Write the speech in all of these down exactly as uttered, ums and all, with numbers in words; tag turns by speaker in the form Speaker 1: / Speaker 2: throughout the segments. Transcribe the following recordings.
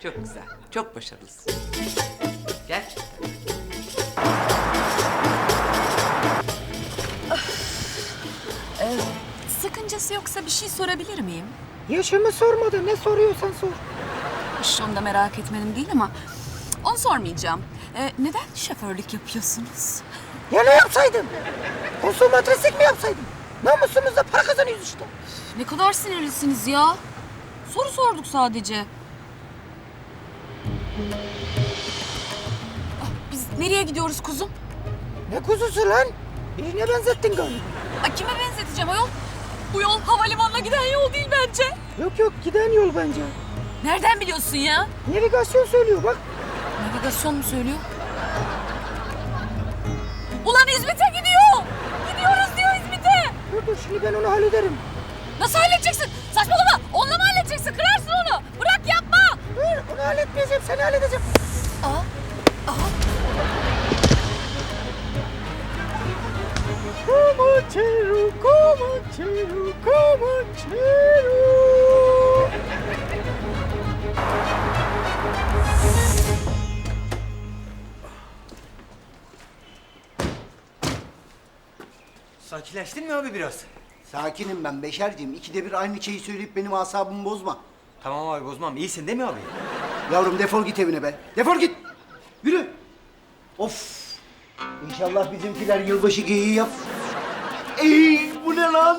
Speaker 1: Çok güzel. Çok başarılısın. Gerçekten.
Speaker 2: Sakıncası yoksa bir şey sorabilir miyim?
Speaker 3: Yaşımı sormadı. Ne soruyorsan sor.
Speaker 2: Hiç onu da merak etmedim değil ama onu sormayacağım. Ee, neden şoförlük yapıyorsunuz?
Speaker 3: Ya ne yapsaydım? Konsomatrislik mi yapsaydım? Namusumuzla para kazanıyoruz işte.
Speaker 2: Ne kadar sinirlisiniz ya. Soru sorduk sadece. Ah, biz nereye gidiyoruz kuzum?
Speaker 3: Ne kuzusu lan? Birine benzettin galiba.
Speaker 2: Ay, kime benzeteceğim ayol? Bu yol havalimanına giden yol değil bence.
Speaker 3: Yok yok giden yol bence.
Speaker 2: Nereden biliyorsun ya?
Speaker 3: Navigasyon söylüyor bak.
Speaker 2: Navigasyon mu söylüyor? Ulan İzmit'e gidiyor. Gidiyoruz diyor İzmit'e.
Speaker 3: Dur dur şimdi ben onu hallederim.
Speaker 2: Nasıl halledeceksin? Saçmalama. Onunla mı halledeceksin? Kırarsın onu. Bırak yapma.
Speaker 3: Dur onu halletmeyeceğim seni halledeceğim.
Speaker 2: Aa, aha.
Speaker 3: Comanchero, Comanchero, Comanchero.
Speaker 4: Sakinleştin mi abi biraz?
Speaker 5: Sakinim ben Beşerciğim. İkide bir aynı şeyi söyleyip benim asabımı bozma.
Speaker 4: Tamam abi bozmam. İyisin değil mi abi?
Speaker 5: Yavrum defol git evine be. Defol git. Yürü. Of. İnşallah bizimkiler yılbaşı geyiği yap. Ey bu ne lan?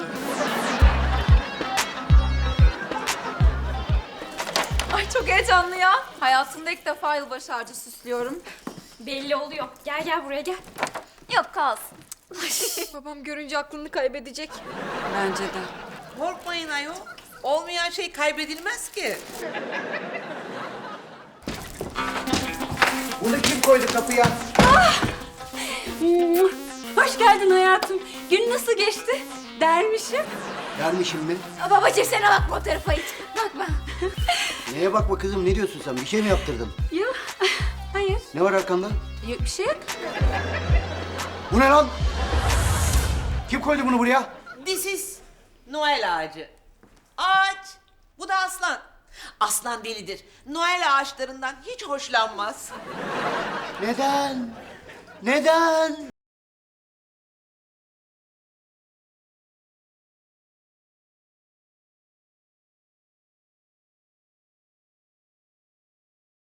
Speaker 6: Ay çok heyecanlı ya. Hayatımda ilk defa yılbaşı ağacı süslüyorum.
Speaker 7: Belli oluyor. Gel gel buraya gel. Yok kalsın.
Speaker 6: Babam görünce aklını kaybedecek.
Speaker 2: Bence de.
Speaker 1: Korkmayın ayol. Olmayan şey kaybedilmez ki.
Speaker 5: Bunu kim koydu kapıya?
Speaker 7: Hoş geldin hayatım. Gün nasıl geçti? Dermişim.
Speaker 5: Dermişim mi?
Speaker 7: Aa, babacığım sana bak bu tarafa it. Bakma.
Speaker 5: Neye bakma kızım ne diyorsun sen? Bir şey mi yaptırdın?
Speaker 7: Yok. Hayır.
Speaker 5: Ne var arkanda?
Speaker 7: Yok bir şey yok.
Speaker 5: Bu ne lan? Kim koydu bunu buraya?
Speaker 1: This is Noel ağacı. Ağaç. Bu da aslan. Aslan delidir. Noel ağaçlarından hiç hoşlanmaz.
Speaker 5: Neden? Neden?